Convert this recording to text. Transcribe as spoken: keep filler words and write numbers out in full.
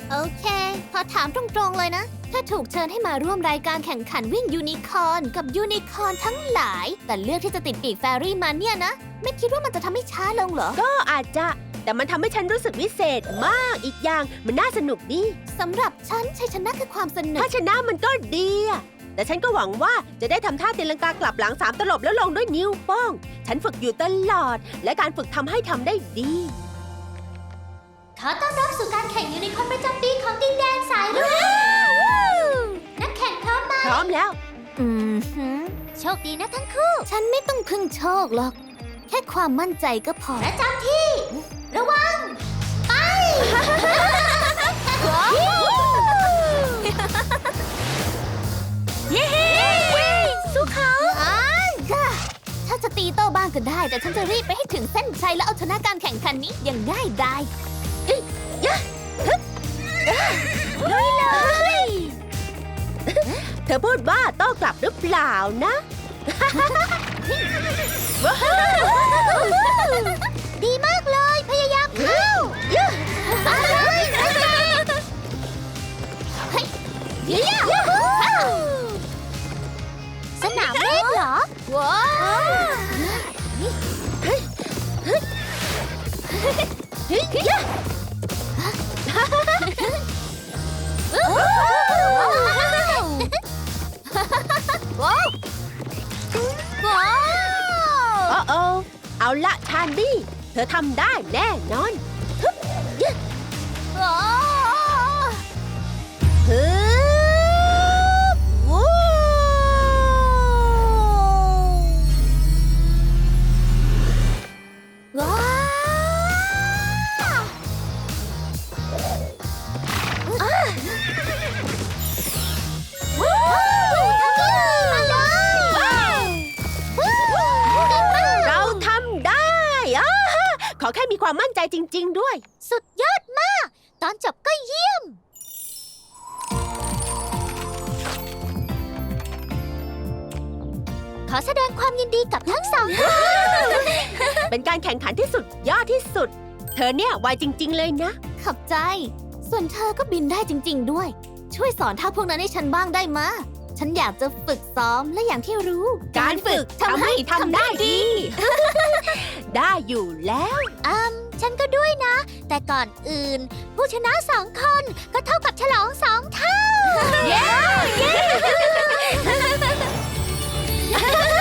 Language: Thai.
โอเคขอถามตรงๆเลยนะถ้าถูกเชิญให้มาร่วมรายการแข่งขันวิ่งยูนิคอร์นกับยูนิคอร์นทั้งหลายแต่เลือกที่จะติดปีกแฟรี่มาเนี่ยนะไม่คิดว่ามันจะทำให้ช้าลงเหรอก็อาจจะแต่มันทำให้ฉันรู้สึกวิเศษมากอีกอย่างมันน่าสนุกดีสำหรับฉันชัยชนะคือความสนุกถ้าชนะมันก็ดีอะแต่ฉันก็หวังว่าจะได้ทำท่าตีลังกากลับหลังสามตลบแล้วลงด้วยนิ้วโป้งฉันฝึกอยู่ตลอดและการฝึกทำให้ทำได้ดีขอต้อนรับสู่การแข่งยูนิคอร์นประจำปีของดินแดนสายรุ้งนักแข่งพร้อมไหมพร้อมแล้วอืมโชคดีนะทั้งคู่ฉันไม่ต้องพึ่งโชคหรอกแค่ความมั่นใจก็พอประจำที่ระวังไปเย้สู้เขาถ้าจะตีโต้บ้างก็ได้แต่ฉันจะรีบไปให้ถึงเส้นชัยแล้วเอาชนะการแข่งขันนี้อย่างง่ายดายลุยเลยเธอพูดว่าโต้กลับหรือเปล่านะดีมากเลยพยายามเข้าสนามเล่นเหรอว้าวว้าวว้าวโอ้เอาละชานดี้เธอทำได้แน่นอนว้าวฮึบวู้ว้าวขอแค่มีความมั่นใจจริงๆด้วยสุดยอดมากตอนจบก็เยี่ยมขอแสดงความยินดีกับทั้งสองท่านเป็นการแข่งขันที่สุดยอดที่สุดเธอเนี่ยไวจริงๆเลยนะขอบใจส่วนเธอก็บินได้จริงๆด้วยช่วยสอนท่าพวกนั้นให้ฉันบ้างได้มะฉันอยากจะฝึกซ้อมและอย่างที่รู้การฝึกทำให้ทำได้ดีได้อยู่แล้วอืมฉันก็ด้วยนะแต่ก่อนอื่นผู้ชนะสองคนก็เท่ากับฉลองสองเท่าเย้